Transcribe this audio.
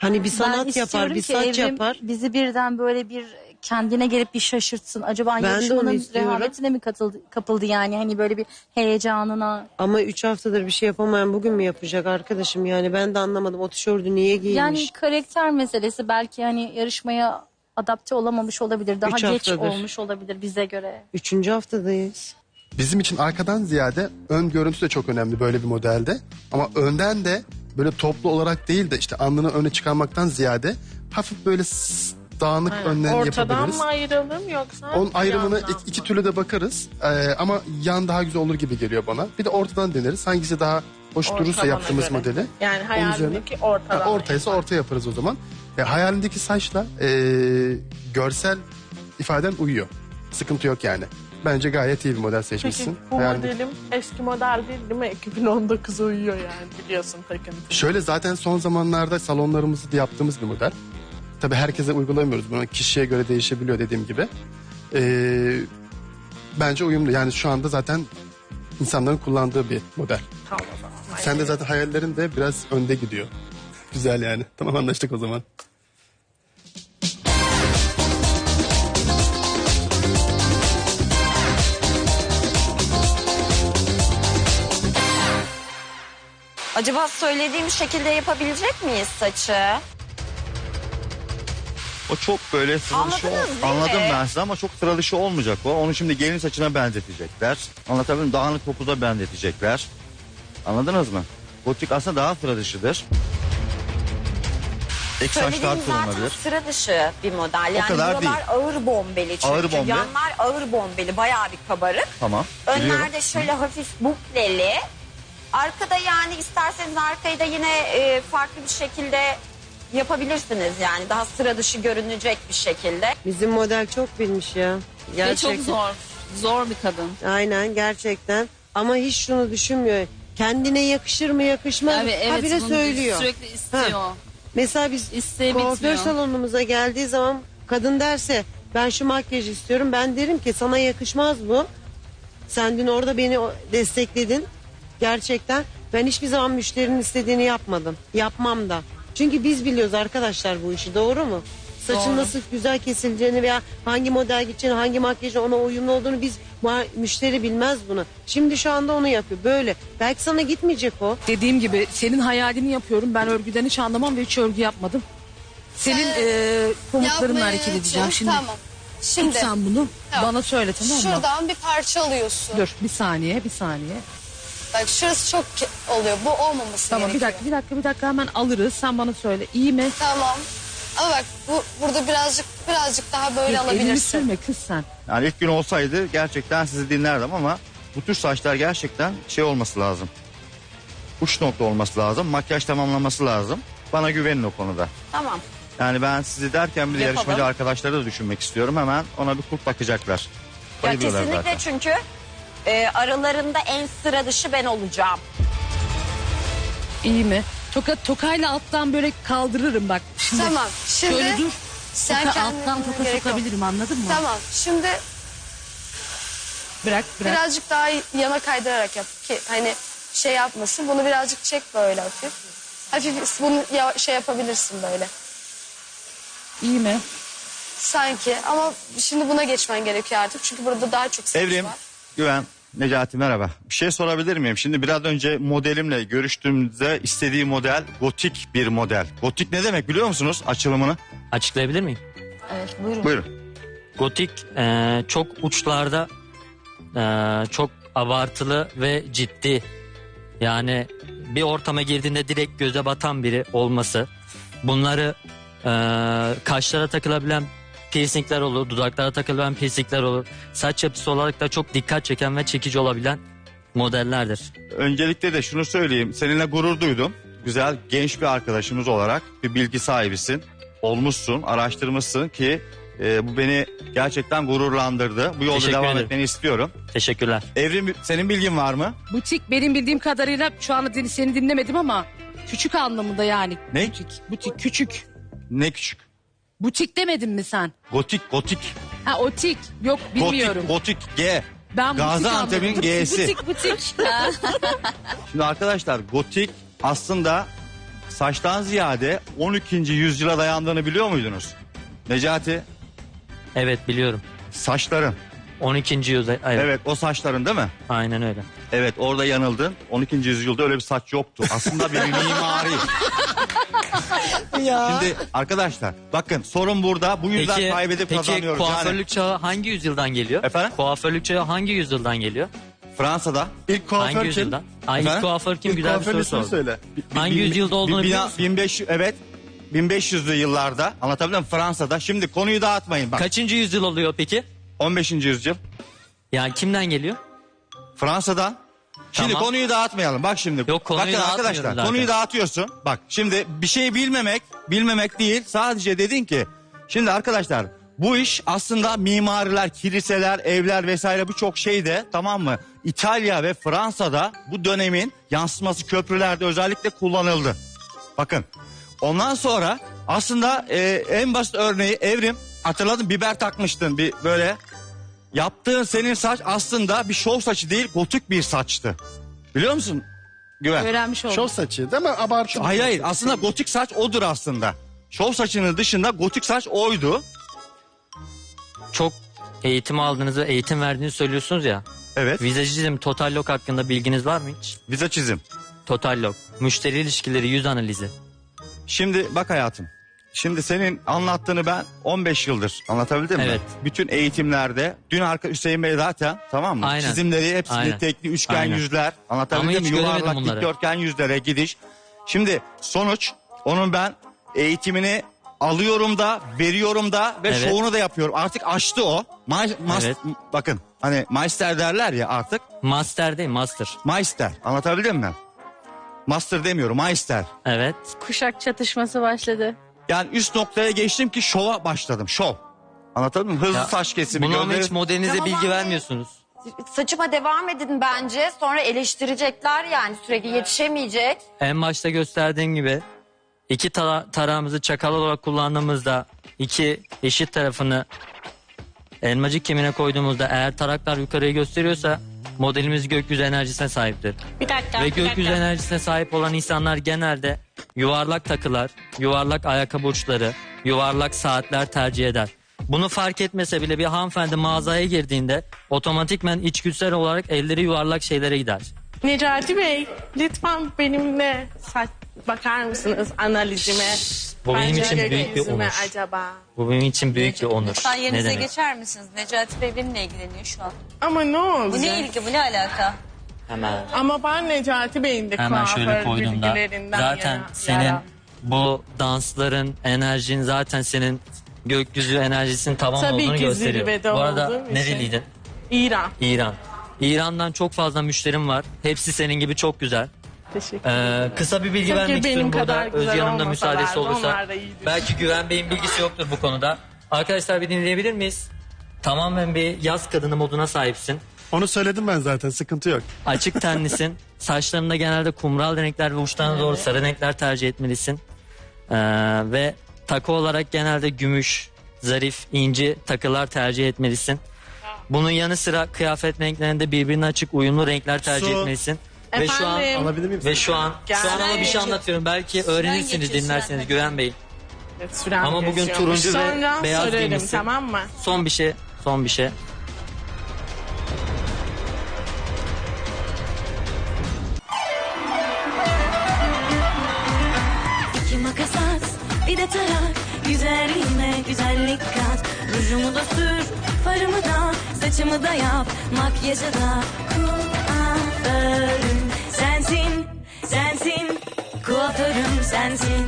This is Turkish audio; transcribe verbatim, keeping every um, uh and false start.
Hani bir Ben sanat yapar, istiyorum bir ki saç Evrim yapar. bizi birden böyle bir kendine gelip bir şaşırtsın. Acaba Ben de onu yarışmanın istiyorum. rehavetine mi katıldı, kapıldı yani? Hani böyle bir heyecanına. Ama üç haftadır bir şey yapamayan bugün mü yapacak arkadaşım? Yani ben de anlamadım. O tişörtü niye giymiş? Yani karakter meselesi, belki hani yarışmaya adapte olamamış olabilir. Daha Üç geç haftadır. olmuş olabilir bize göre. Üçüncü haftadayız. Bizim için arkadan ziyade ön görüntü de çok önemli böyle bir modelde. Ama önden de böyle toplu olarak değil de işte alnını öne çıkarmaktan ziyade hafif böyle s- dağınık önlerini Ortadan yapabiliriz. mı ayıralım yoksa? Onun ayrımını yandan iki, iki mı? türlü de bakarız. Ee, ama yan daha güzel olur gibi geliyor bana. Bir de ortadan deneriz. Hangisi daha hoş durursa Ortamına yaptığımız göre. modeli. Yani Onun hayalindeki üzerine- ortadan. Ha, ortaysa orta yaparız o zaman. E, hayalindeki saçla e, görsel ifaden uyuyor. Sıkıntı yok yani. Bence gayet iyi bir model Peki seçmişsin. bu Hayalindeki- modelim eski model değil değil mi? iki bin on dokuza uyuyor yani, biliyorsun takıntı. Şöyle zaten son zamanlarda salonlarımızda yaptığımız bir model. Tabii herkese uygulamıyoruz. Bunu kişiye göre değişebiliyor dediğim gibi. Ee, bence uyumlu. Yani şu anda zaten insanların kullandığı bir model. Tamam o zaman. Sen de zaten hayallerin de biraz önde gidiyor. Güzel yani. Tamam, anlaştık o zaman. Acaba söylediğim şekilde yapabilecek miyiz saçı? O çok böyle sıra dışı Anladınız ol- değil Anladım mi? ben size ama çok sıra dışı olmayacak o. Onu şimdi gelin saçına benzetecekler. Anlatabiliyor muyum? Dağınık topuza benzetecekler. Anladınız mı? Gotik aslında daha sıra dışıdır. Ek saçlar Söylediğim zaten kullanılabilir. sıra dışı bir model. Yani kadar buralar değil. ağır bombeli çünkü. Ağır bombe. Yanlar ağır bombeli, bayağı bir kabarık. Tamam. biliyorum. Önlerde şöyle hafif bukleli. Arkada yani isterseniz arkayı da yine e, farklı bir şekilde yapabilirsiniz yani. Daha sıra dışı görünecek bir şekilde. Bizim model çok bilmiş ya. Ve çok zor. Zor bir kadın. Aynen, gerçekten. Ama hiç şunu düşünmüyor. Kendine yakışır mı yakışmaz mı? Yani evet, Habire bunu söylüyor. sürekli istiyor. Mesela biz İsteği kuaför bitmiyor. salonumuza geldiği zaman kadın derse ben şu makyajı istiyorum. Ben derim ki sana yakışmaz bu. Sen dün orada beni o- destekledin. Gerçekten ben hiçbir zaman müşterinin istediğini yapmadım. Yapmam da. Çünkü biz biliyoruz arkadaşlar bu işi, doğru mu? Saçın Doğru. nasıl güzel kesileceğini veya hangi model gideceğini, hangi makyajın ona uyumlu olduğunu biz ma- müşteri bilmez bunu. Şimdi şu anda onu yapıyor böyle. Belki sana gitmeyecek o. Dediğim gibi senin hayalini yapıyorum. Ben örgüden hiç anlamam ve hiç örgü yapmadım. Senin Sen eee komutlarınla Yapmaya hareket edeceğim çalış, şimdi. Tamam. Şimdi Tut sen bunu. Tamam. Bana söyle, tamam mı? şuradan bir parça alıyorsun. Dur bir saniye, bir saniye. Bak şurası çok ke- oluyor. Bu olmaması Tamam, bir gerekiyor. dakika, bir dakika, bir dakika, hemen alırız. Sen bana söyle. İyi mi? Tamam. Ama bak bu burada birazcık birazcık daha böyle Elini alabilirsin. sürme kız sen. Yani ilk gün olsaydı gerçekten sizi dinlerdim ama bu tür saçlar gerçekten şey olması lazım. Uç nokta olması lazım. Makyaj tamamlaması lazım. Bana güvenin o konuda. Tamam. Yani ben sizi derken bir de Yapalım. yarışmacı arkadaşları da düşünmek istiyorum. Hemen ona bir kurt bakacaklar. Ya Bayılıyorlar kesinlikle zaten. çünkü e, aralarında en sıra dışı ben olacağım. İyi mi? Toka, tokayla alttan böyle kaldırırım bak. Şimdi Tamam. Şimdi şöyle dur. sen Toka kendine alttan toka gerek yok. sokabilirim, anladın mı? Tamam. Şimdi Bırak, bırak. birazcık daha yana kaydırarak yap ki hani şey yapmasın. Bunu birazcık çek böyle hafif. Hafif bunu ya- şey yapabilirsin böyle. İyi mi? Sanki ama şimdi buna geçmen gerekiyor artık. Çünkü burada daha çok saç Evrim, var. Güven, Necati merhaba. Bir şey sorabilir miyim? Şimdi biraz önce modelimle görüştüğümüzde istediği model gotik bir model. Gotik ne demek biliyor musunuz açılımını? Açıklayabilir miyim? Evet buyurun. Buyurun. Gotik e, çok uçlarda e, çok abartılı ve ciddi. Yani bir ortama girdiğinde direkt göze batan biri olması. Bunları e, kaşlara takılabilen piercingler olur, dudaklara takılabilen piercingler olur. Saç yapısı olarak da çok dikkat çeken ve çekici olabilen modellerdir. Öncelikle de şunu söyleyeyim. Seninle gurur duydum. Güzel, genç bir arkadaşımız olarak bir bilgi sahibisin. Olmuşsun, araştırmışsın ki e, bu beni gerçekten gururlandırdı. Bu yolda Teşekkür devam ederim. etmeni istiyorum. Teşekkürler. Evrim, senin bilgin var mı? Butik benim bildiğim kadarıyla şu anda din- seni dinlemedim ama küçük anlamında yani. Ne? Butik, butik küçük. Ne küçük? Butik demedin mi sen? Gotik, gotik. Ha otik. Yok bilmiyorum. Gotik, gotik, G. Ben butik Gaziantep'in anladım. G'si. Butik butik. Şimdi arkadaşlar gotik aslında saçtan ziyade on ikinci yüzyıla dayandığını biliyor muydunuz? Necati, Evet biliyorum. saçların. on ikinci yüzyılda. Evet, Evet, o saçların değil mi? aynen öyle. Evet, orada yanıldın. on ikinci yüzyılda öyle bir saç yoktu. Aslında bir mimari. Şimdi arkadaşlar bakın sorun burada. Bu yüzden Peki, kaybedip peki kazanıyoruz. kuaförlük Yani çağı hangi yüzyıldan geliyor? Efendim? Kuaförlük çağı hangi yüzyıldan geliyor? Fransa'da. İlk kuaför hangi kim? yüzyıldan? Ay, ilk Efendim? kuaför kim? İlk Güzel bir kuaförün soru ismini sordum. söyle. Hangi yüzyılda olduğunu bin- biliyor musun? bin beş yüz evet. bin beş yüzlü yıllarda anlatabiliyor muyum? Fransa'da. Şimdi konuyu dağıtmayın bak. Kaçıncı yüzyıl oluyor peki? on beşinci yüzyıl. Yani kimden geliyor? Fransa'dan. Şimdi Tamam. konuyu dağıtmayalım. Bak şimdi. Yok, konuyu Bakın dağıtmıyorum arkadaşlar zaten. konuyu dağıtıyorsun. Bak şimdi bir şeyi bilmemek, bilmemek değil. Sadece dedin ki şimdi arkadaşlar bu iş aslında mimariler, kiliseler, evler vesaire birçok şeyde tamam mı? İtalya ve Fransa'da bu dönemin yansıması köprülerde özellikle kullanıldı. Bakın ondan sonra aslında e, en basit örneği Evrim, hatırladın biber takmıştın bir böyle. Yaptığın senin saç aslında bir şov saçı değil, gotik bir saçtı. Biliyor musun Güven? Öğrenmiş oldum. Şov saçı değil mi? Abartı. Hayır hayır aslında gotik saç odur aslında. Şov saçının dışında gotik saç oydu. Çok eğitim aldığınızı, eğitim verdiğinizi söylüyorsunuz ya. Evet. Vizajizm, total look hakkında bilginiz var mı hiç? Vize çizim. Total look, müşteri ilişkileri, yüz analizi. Şimdi bak hayatım. Şimdi senin anlattığını ben on beş yıldır anlatabildim mi? Evet. Bütün eğitimlerde dün arka Hüseyin Bey zaten tamam mı? Aynen. Çizimleri hepsini Aynen. tekli üçgen Aynen. yüzler Ama anlatabildim hiç mi? göremedim Yuvarlak bunları. dikdörtgen yüzlere gidiş. Şimdi sonuç onun ben eğitimini alıyorum da veriyorum da ve Evet. şovunu da yapıyorum. Artık aştı o. Ma- mas- Evet. Bakın hani Meister derler ya artık. Master değil, master. Meister anlatabildim mi? Master demiyorum Meister. Evet. Kuşak çatışması başladı. Yani üst noktaya geçtim ki şova başladım. Şov. Anladın mı? Hızlı Ya, saç kesimi. Bunu ama gözleri- hiç modelinize Tamam bilgi abi. vermiyorsunuz. Saçıma devam edin bence. Sonra eleştirecekler yani sürekli yetişemeyecek. En başta gösterdiğim gibi iki tara- tarağımızı çakal olarak kullandığımızda iki eşit tarafını elmacık kemiğine koyduğumuzda eğer taraklar yukarıyı gösteriyorsa modelimiz gökyüzü enerjisine sahiptir. Bir dakika. Ve bir gökyüzü dakika. enerjisine sahip olan insanlar genelde yuvarlak takılar, yuvarlak ayakkabı uçları, yuvarlak saatler tercih eder. Bunu fark etmese bile bir hanımefendi mağazaya girdiğinde otomatikmen içgüdüsel olarak elleri yuvarlak şeylere gider. Necati Bey lütfen benimle saç bakar mısınız analizime? Bu benim Bence için büyük bir gökyüzüme onur. acaba. Bu benim için büyük bir onur. Lütfen Ne yerinize demek? geçer misiniz? Necati Bey benimle ilgileniyor şu an. Ama ne olacak? Bu ne ilgi, bu ne alaka? Hemen. Ama ben Necati Bey'in de Hemen şöyle kuaför koyduğumda bilgilerinden zaten yana- senin yana. bu dansların, enerjin zaten senin gökyüzü enerjisinin tamam Tabii olduğunu ki gösteriyor. zirvede Bu arada olduğum için. nereliydin? İran. İran. İran'dan çok fazla müşterim var. Hepsi senin gibi çok güzel. Teşekkür Ee, kısa bir bilgi Tabii vermek benim istiyorum kadar burada. güzel Özge Hanım da olmasalardı, müsaadesi olursa. onlar da iyidir. Belki Güven Bey'in bilgisi yoktur bu konuda. Arkadaşlar bir dinleyebilir miyiz? Tamamen bir yaz kadını moduna sahipsin. Onu söyledim ben zaten, sıkıntı yok. Açık tenlisin. Saçlarında genelde kumral renkler ve uçlarına doğru sarı renkler tercih etmelisin. Ee, ve takı olarak genelde gümüş, zarif, inci takılar tercih etmelisin. Bunun yanı sıra kıyafet renklerinde birbirine açık uyumlu renkler tercih Su. etmelisin. Ve şu an Efendim? Alabilir miyim? ve şu an şu an ama bir şey anlatıyorum. Belki öğrenirsiniz, geçiyor, dinlersiniz süren. Güven Bey. Sürem Ama bugün geçiyormuş. turuncu ve Sonra beyaz söylerim, giymişsin. tamam mı? Son bir şey, son bir şey. İki makas at, bir de tarak. Güzelliğime güzellik kat. Rujumu da sür, farımı da, saçımı da yap. Makyajı da kuaförüm sensin, sensin. Kuaförüm sensin.